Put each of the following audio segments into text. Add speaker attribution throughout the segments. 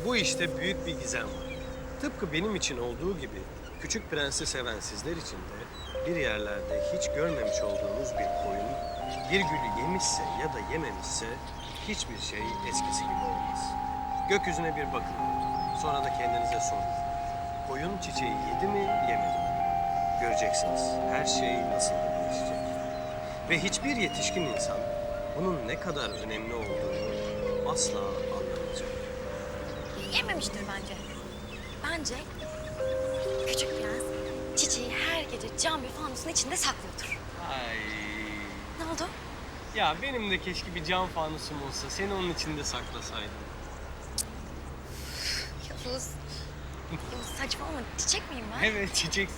Speaker 1: Bu işte büyük bir gizem var. Tıpkı benim için olduğu gibi Küçük Prens'i seven sizler için de bir yerlerde hiç görmemiş olduğunuz bir koyun bir gülü yemişse ya da yememişse hiçbir şey eskisi gibi olmaz. Gökyüzüne bir bakın. Sonra da kendinize sorun. Koyun çiçeği yedi mi, yemedi mi? Göreceksiniz. Her şey nasıl da değişecek. Ve hiçbir yetişkin insan bunun ne kadar önemli olduğunu asla anlamayacak.
Speaker 2: Yememiştir bence. Bence Küçük Prens çiçeği her gece cam bir fanusun içinde saklıyordur.
Speaker 1: Ay.
Speaker 2: Ne oldu?
Speaker 1: Ya benim de keşke bir cam fanusum olsa. Seni onun içinde saklasaydım.
Speaker 2: Yavuz. Yavuz saçmalama. Çiçek miyim ben?
Speaker 1: Evet, çiçeksin.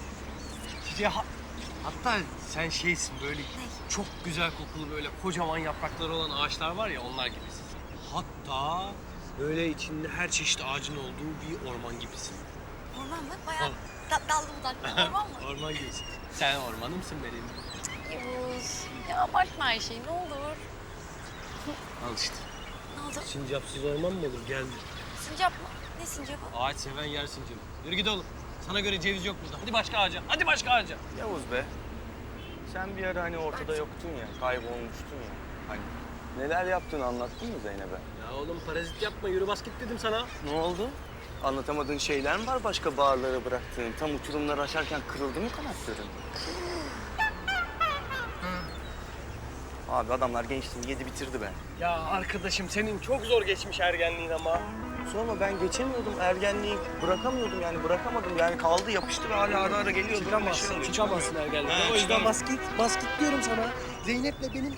Speaker 1: Hatta sen şeysin böyle çok güzel kokulu böyle kocaman yaprakları olan ağaçlar var ya onlar gibisin. Hatta böyle içinde her çeşit ağacın olduğu bir orman gibisin.
Speaker 2: Orman mı? Bayağı dallı budaklı orman mı?
Speaker 1: Orman gibisin. Sen ormanımsın benim.
Speaker 2: Yavuz. Ya abartma her şeyi ne olur.
Speaker 1: Al işte.
Speaker 2: Ne oldu?
Speaker 1: Sincapsız orman mı olur? Geldi.
Speaker 2: Sincap mı? Ne sincapı?
Speaker 1: Ağaç seven yer sincapı. Yürü git oğlum. Sana göre ceviz yok burada. Hadi başka ağaca. Hadi başka ağaca.
Speaker 3: Yavuz be. Sen bir ara hani ortada yoktun ya, kaybolmuştun ya. Hani neler yaptığını anlattın mı Zeynep'e?
Speaker 1: Ya oğlum parazit yapma. Yürü bas git dedim sana.
Speaker 3: Ne oldu? Anlatamadığın şeyler mi var başka bağırlara bıraktığın? Tam uçurumları aşarken kırıldı mı kanatların? Abi adamlar gençliğini yedi bitirdi be.
Speaker 1: Ya arkadaşım senin çok zor geçmiş ergenliğin ama.
Speaker 3: Sonra ben geçemiyordum ergenliği, bırakamıyordum yani bırakamadım yani kaldı yapıştı ve hala ara ara geliyor.
Speaker 1: Çıkamazsın ergenlikten. O yüzden bas git diyorum sana. Zeynep'le benim...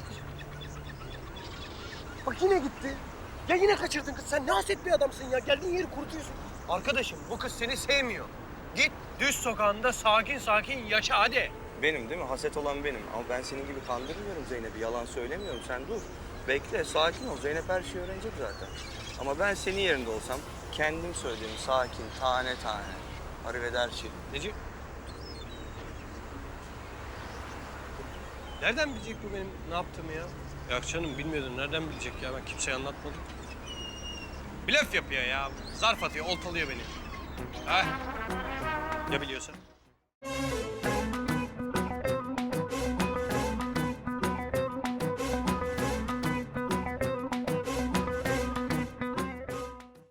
Speaker 1: Bak yine gitti. Ya yine kaçırdın kız. Sen ne haset bir adamsın ya. Geldiğin yeri kurutuyorsun. Arkadaşım bu kız seni sevmiyor. Git düz sokağında sakin sakin yaşa hadi.
Speaker 3: Benim değil mi? Haset olan benim. Ama ben senin gibi kandırmıyorum Zeynep'i. Yalan söylemiyorum. Sen dur. Bekle, sakin ol. Zeynep her şeyi öğrenecek zaten. Ama ben senin yerinde olsam kendim söylediğimi sakin, tane tane. Arrivederci.
Speaker 1: Neci? Nereden bilecek bu benim ne yaptığımı ya? Yok canım bilmiyordum. Nereden bilecek ya? Ben kimseye anlatmadım. Blöf yapıyor ya. Zarf atıyor, oltalıyor beni. Ha? Ya biliyorsa?